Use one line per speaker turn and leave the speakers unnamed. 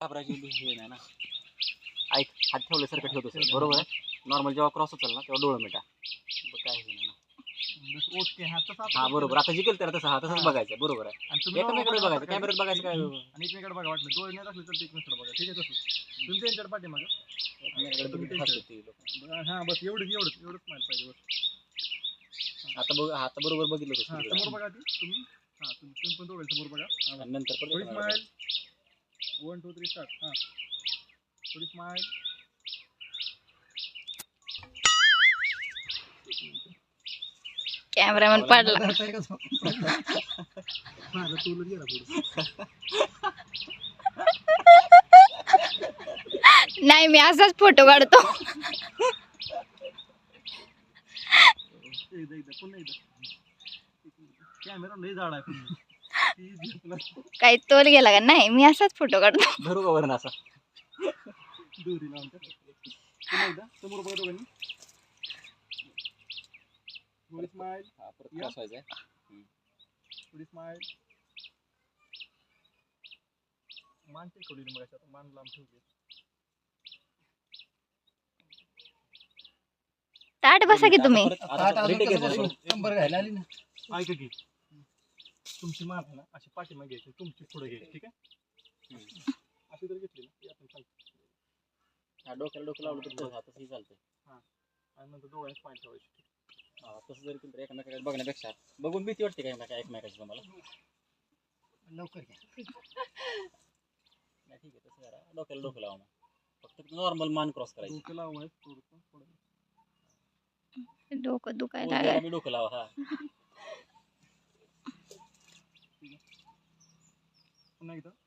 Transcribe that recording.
घाबरायची हे नाही ना. ऐक, हात ठेवल्यासारखं ठेवतो सर, बरोबर आहे. नॉर्मल जेव्हा क्रॉस होतं ना तेव्हा डोळं मिटा, काय हे नाही ना.
ओके हा तसं
हा बरोबर, आता जिंकेल त्याला तसं, हा तसंच बघायचं, बरोबर आहे.
आणि तुम्ही
एकमेकडे बघायचं, कॅमेऱ्यात बघायचं काय
आणि एकमेकडे बघा, वाटलं डोळे नाही दाखले तर एकमेकडे बघा, ठीक आहे. तसं तुम्ही त्यांच्याकडे पाठीमागं हा बस एवढंच माहिती पाहिजे बस.
आता बघ, आता बरोबर बघितलं
हा
तसं.
समोर बघा ती तुम्ही, हा तुम्ही पण दोघे समोर बघा.
आणि नंतर
थोडी
परत
स्माइल, 1 2 3 स्टार्ट. हा थोडी स्माइल.
कॅमेरामॅन पडला.
माझा टूलच गेला पुढे.
नाही मी असाच फोटो काढतो.
एकदा पुन्हा एकदा. कॅमेरा लय झाड आहे.
काही तोल गेला का? नाही मी असाच फोटो काढतो.
धरू का वरण असा
दोरी लावून. पुन्हा एकदा समोर बघा दोघांनी. थोडी स्माइल.
हा परत क्रॉस व्हायचा.
थोडी स्माइल. मान टेकवली मग आता मान लांब ठेवली.
ताट बसा की तुम्ही.
नंबर घ्यायला आली ना. ऐका की तुमची मान आहे ना अशी पाठीमागे घ्यायची, तुमची पुढे घ्यायची, ठीक आहे. अशी जर घेतली ना ती आपण चालतो.
हा डोक्याला डोकं लावलं तर तसंही चालतंय.
हा आणि नंतर डोळ्यात पाय ठेवायची.
हा तसं जरी केलं तर एकमेकाकडे बघण्यापेक्षा बघून भीती वाटते का एकमेकाची तुम्हाला?
लवकर घ्या.
नाही ठीक आहे, तसं करा, डोक्याला डोकं लावा मग. फक्त नॉर्मल मान क्रॉस करायची.
डोकं लावायचं थोडं.
डोकं दुखायला
उजव्याला बी डोकं लावा. हा
पुन्हा एकदा.